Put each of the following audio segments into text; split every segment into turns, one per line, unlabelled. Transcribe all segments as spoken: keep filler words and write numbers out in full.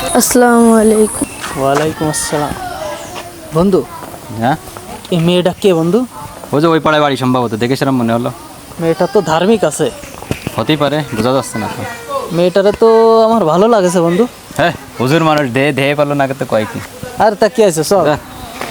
আসসালামু আলাইকুম।
ওয়ালাইকুম আসসালাম। বন্ধু,
হ্যাঁ,
এই মেয়েটা কে বন্ধু?
ওই যে ওই পাড়ায় বাড়ি সম্ভবত, দেখে সেরকম মনে হলো।
মেয়েটা তো ধার্মিক আছে।
হতেই পারে, বোঝা যাচ্ছে না তো।
মেয়েটারে তো আমার ভালো লাগেছে বন্ধু।
হ্যাঁ, হুজুর মানুষ দেহে দেহে পারলো না তো কয় কি।
আর তা কি আছে, চল।
যা।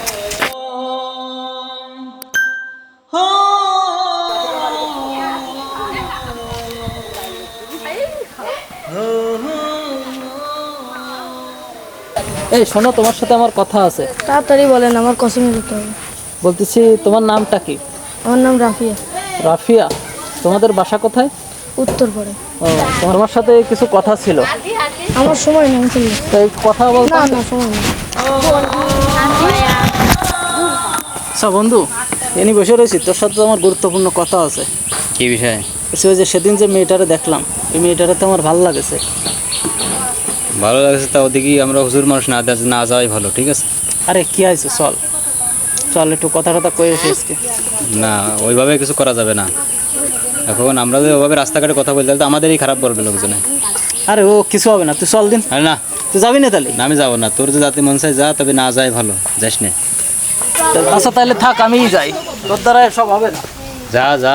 এই শোনো, তোমার সাথে আমার কথা আছে।
তাড়াতাড়ি বলেন, আমার কসমে যেতে হবে।
বলতেছি, তোমার নামটা কি?
আমার নাম রাফিয়া।
রাফিয়া। তোমাদের বাসা কোথায়?
উত্তর পড়ে।
ও, তোমার সাথে কিছু কথা ছিল।
আমার সময় নেই, চলবে।
তো একটু কথা বলতে।
না না, সময় নেই।
আচ্ছা বন্ধু, এনি বসে রয়েছি, তোর সাথে তো আমার গুরুত্বপূর্ণ কথা আছে।
কি বিষয়?
সে যে সেদিন যে মেয়েটারে দেখলাম, এই মেয়েটারে তো আমার ভালো লাগেছে।
ভালো লাগছে, তা ওদিকে আমরা হুজুর মানুষ না দে- না যাওয়াই ভালো, ঠিক আছে?
আরে কি আছে, চল চল একটু কথা কথা কয়ে এসে আজকে।
না, ওইভাবে কিছু করা যাবে না। এখন আমরা যদি ওইভাবে রাস্তাঘাটে কথা বলতে, তাহলে তো আমাদেরই খারাপ বলবে লোকজনে।
আরে ও কিছু হবে না, তুই চল দিন।
আরে না,
তুই যাবি না তাহলে?
না, আমি যাবো না। তোর যে জাতি মন চাই যা, তবে না যাই ভালো, যাস না।
আচ্ছা তাহলে থাক, আমিই যাই, তোর দ্বারা সব হবে না।
যা যা।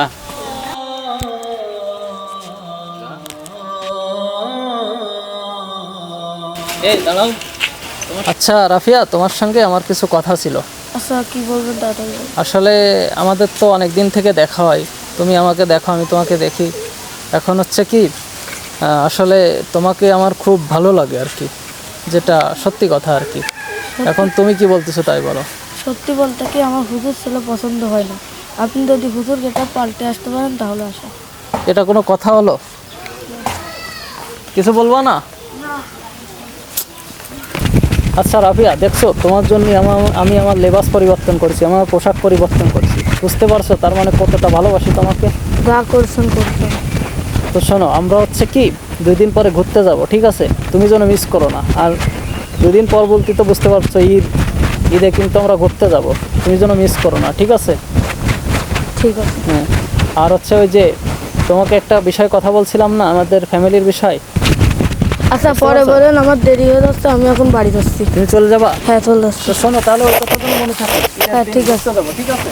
এই দাঁড়াও। আচ্ছা রাফিয়া, তোমার সঙ্গে আমার কিছু কথা ছিল।
আচ্ছা, কি বলবেন তাড়াতাড়ি বলুন।
আসলে আমাদের তো অনেক দিন থেকে দেখা হয়, তুমি আমাকে দেখো, আমি তোমাকে দেখি। এখন হচ্ছে কি, আহ, আসলে তোমাকে আমার খুব ভালো লাগে আর কি, যেটা সত্যি কথা আর কি। এখন তুমি কি বলতেছো তাই বলো।
সত্যি বলতে কি, আমার হুজুর ছেলে পছন্দ হয় না। আপনি যদি হুজুর গেটা পাল্টে আসতে পারেন তাহলে আসা।
এটা কোনো কথা হলো? কিছু বলবো না? আচ্ছা রাফিয়া, দেখছো, তোমার জন্য আমার আমি আমার লেবাস পরিবর্তন করছি, আমার পোশাক পরিবর্তন করছি, বুঝতে পারছো তার মানে কতটা ভালোবাসি তোমাকে।
যা করছেন করছেন।
তো শোনো, আমরা হচ্ছে কি দুই দিন পরে ঘুরতে যাব, ঠিক আছে? তুমি যেন মিস করো না। আর দুই দিন পর বলতে তো বুঝতে পারছো, ঈদ ঈদে কিন্তু আমরা ঘুরতে যাব, তুমি যেন মিস করো না, ঠিক আছে?
ঠিক আছে।
হ্যাঁ। আর হচ্ছে ওই যে তোমাকে একটা বিষয় কথা বলছিলাম না, আমাদের ফ্যামিলির বিষয়।
আচ্ছা পরে বলেন, আমার দেরি হয়ে যাচ্ছে, আমি এখন বাড়ি যাচ্ছি।
তুমি চলে যাবা?
হ্যাঁ চলে যাচ্ছি।
তো শোনো, তাহলে ওই কথাগুলো মনে থাকে।
হ্যাঁ ঠিক আছে।
যাবো, ঠিক আছে?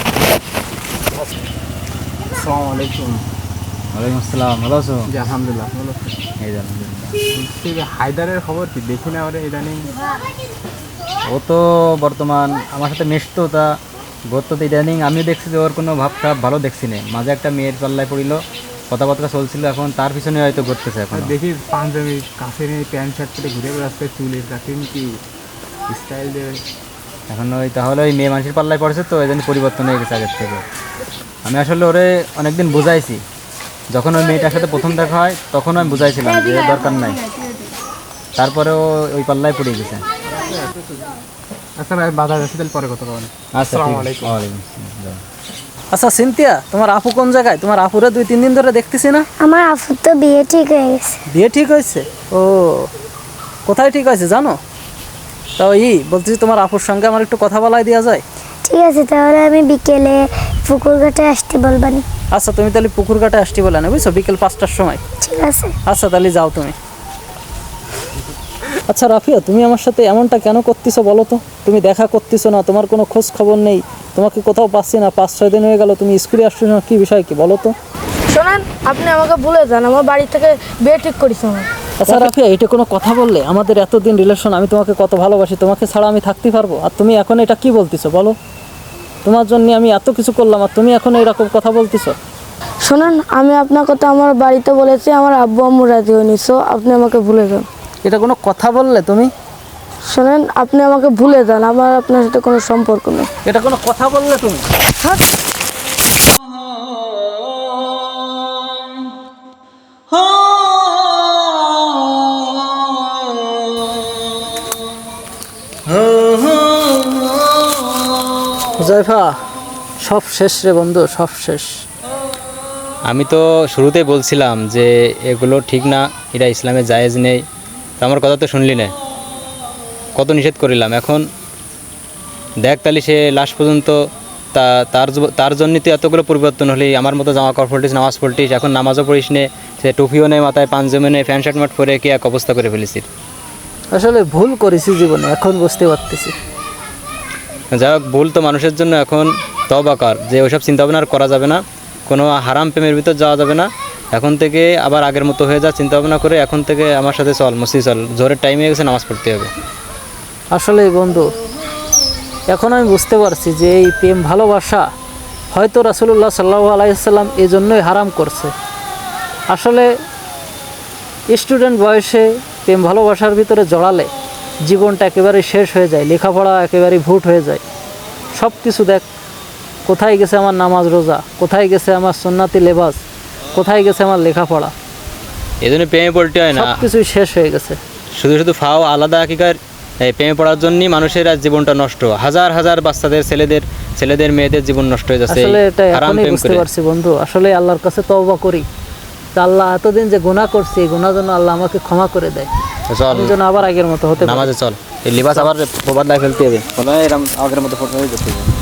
আসসালামু আলাইকুম।
ওয়ালাইকুম আসসালাম, ভালো আছো?
জি আলহামদুলিল্লাহ, ভালো আছি।
এই যে আলহামদুলিল্লাহ।
বলছি যে হায়দারের খবর কি, দেখি না ওরে ইদানিং।
ও তো বর্তমান আমার সাথে মিশতো, তা গত তো ইদানিং আমিও দেখছি যে ওর কোনো ভাব খারাপ ভালো দেখছি না। মাঝে একটা মেয়ের পাল্লায় পড়িল, কথাবার্তা চলছিল, এখন তার পিছনে হয়তো ঘুরতেছে এখন।
আর দেখি পাঞ্জাবি কাছে নিয়ে প্যান্ট শার্ট পরে ঘুরে বেড়াচ্ছে, চুলের কাটিং কি স্টাইল দিয়ে।
এখন ওই তাহলে ওই মেয়ে মানুষের পাল্লায় পড়েছে, তো এই জন্য পরিবর্তন হয়ে গেছে আগের থেকে। আমি আসলে ওরে অনেকদিন বুঝাইছি, যখন ওই মেয়েটার সাথে প্রথম দেখা হয় তখন আমি বুঝাইছিলাম যে দরকার নাই, তারপরেও ওই পাল্লায় পড়ে গেছে।
আচ্ছা ভাই, বাজার যাচ্ছি, তাহলে পরে কথা বলেন।
আচ্ছা,
আসসালামু
ঠিক আছে।
আলাইকুম।
ওয়ালাইকুম আসসালাম, যাও।
আচ্ছা সিনথিয়া, তোমার আপু কোন জায়গায়? তোমার আপুরা দুই তিন দিন ধরে দেখতেছি না।
আমার আপুর তো বিয়ে ঠিক হয়ে গেছে।
বিয়ে ঠিক হয়েছে? ও, কোথায় ঠিক হয়েছে জানো? তাও ই বলতেছি, তোমার আপুর সঙ্গে আমার একটু কথা বলাই দেওয়া যায়?
ঠিক আছে, তাহলে আমি বিকেলে পুকুর ঘাটে আসতে বলবানি।
আচ্ছা, তুমি তাহলে পুকুর ঘাটে আসতে বলে না, বুঝছো, বিকেল পাঁচটার সময়।
ঠিক আছে।
আচ্ছা তাহলে যাও তুমি। আচ্ছা রাফিয়া, তুমি আমার সাথে এমনটা কেন করতেছো বলো তো? তুমি দেখা করতেছো না, তোমার কোনো খোঁজ খবর নেই, তোমাকে কোথাও পাচ্ছি না, পাঁচ ছয় দিন হয়ে গেল তুমি স্কুলে আসছো না, কী বিষয় কি বলো তো?
শোনেন, আপনি আমাকে ভুলে যান, আমার বাড়ি থেকে বিয়ে ঠিক করেছে আমার।
আচ্ছা রাফিয়া, এটা কোনো কথা বললে? আমাদের এতদিন রিলেশন, আমি তোমাকে কত ভালোবাসি, তোমাকে ছাড়া আমি থাকতে পারবো? আর তুমি এখন এটা কি বলতেছো বলো? তোমার জন্য আমি এত কিছু করলাম, আর তুমি এখন এরকম কথা বলতেছো?
শোনেন, আমি আপনার কথা আমার বাড়িতে বলেছি, আমার আব্বু আম্মু রাজি হয়নি, সো আপনি আমাকে ভুলে যান।
এটা কোনো কথা বললে তুমি?
শোনেন, আপনি আমাকে ভুলে যান, আমার আপনার সাথে কোনো সম্পর্ক নেই।
এটা কোনো কথা বললে তুমি?
হ্যাঁ।
হুজাইফা, সব শেষ রে বন্ধু, সব শেষ।
আমি তো শুরুতেই বলছিলাম যে এগুলো ঠিক না, এটা ইসলামে জায়েজ নেই। তো আমার কথা তো শুনলি না, কত নিষেধ করিলাম। এখন দেখ তাহলে সে লাস্ট পর্যন্ত তা তার জ- তার জন্যই তো এতগুলো পরিবর্তন হলি। আমার মতো জামা কাপড় পড়িস, নামাজ পড়িস, এখন নামাজও পড়িস নে, সে টুপিও নেই, মাথায় পাঞ্জাবি নেই, প্যান্ট শার্ট মাট পরে কি এক অবস্থা করে ফেলেছিস।
আসলে ভুল করেছি জীবনে, এখন বুঝতে পারতেছি।
যাই হোক, ভুল তো মানুষের জন্য এখন তওবাকার, যে ওইসব চিন্তা ভাবনা আর করা যাবে না, কোনো হারাম প্রেমের ভিতর যাওয়া যাবে না। এখন থেকে আবার আগের মতো হয়ে যা, চিন্তা ভাবনা করে এখন থেকে আমার সাথে চল, মসজিদ চল, জোরের টাইম হয়ে গেছে, নামাজ পড়তে হবে।
আসলে বন্ধু, এখন আমি বুঝতে পারছি যে এই প্রেম ভালোবাসা হয়তো রাসূলুল্লাহ সাল্লাল্লাহু আলাইহি সাল্লাম এই জন্যই হারাম করছে। আসলে স্টুডেন্ট বয়সে প্রেম ভালোবাসার ভিতরে জড়ালে জীবনটা একেবারে শেষ হয়ে যায়, লেখাপড়া একেবারে ভুট হয়ে যায়। সব কিছু দেখ, কোথায় গেছে আমার নামাজ রোজা, কোথায় গেছে আমার সুন্নাতি লেবাস, কোথায় গেছে আমার লেখাপড়া,
এই জন্য প্রেমে পড়তে হয় না,
সব কিছুই শেষ হয়ে গেছে।
শুধু শুধু ফাও আলাদা হাকিকার এই প্রেমে পড়ার জন্যই মানুষের আজ জীবনটা নষ্ট, হাজার হাজার বাচ্চাদের, ছেলেদের ছেলেদের মেয়েদের জীবন নষ্ট হয়ে যাচ্ছে
আসলে এটা
হারাম
এখনই
প্রেম
বুঝতে
করে।
পারছি বন্ধু, আসলে আল্লাহর কাছে তওবা করি যে আল্লাহ এতদিন যে গুনাহ করছি, এই গুনাহ যেন আল্লাহ আমাকে ক্ষমা করে দেয়,
চল
আমি যেন আবার আগের মতো হতে পারি।
নামাজে চল, এই লিবাস আবার প্রবাদ লাই ফেলতে হবে, বলে এরকম আগের মতো ফটো হয়ে যেতে হবে।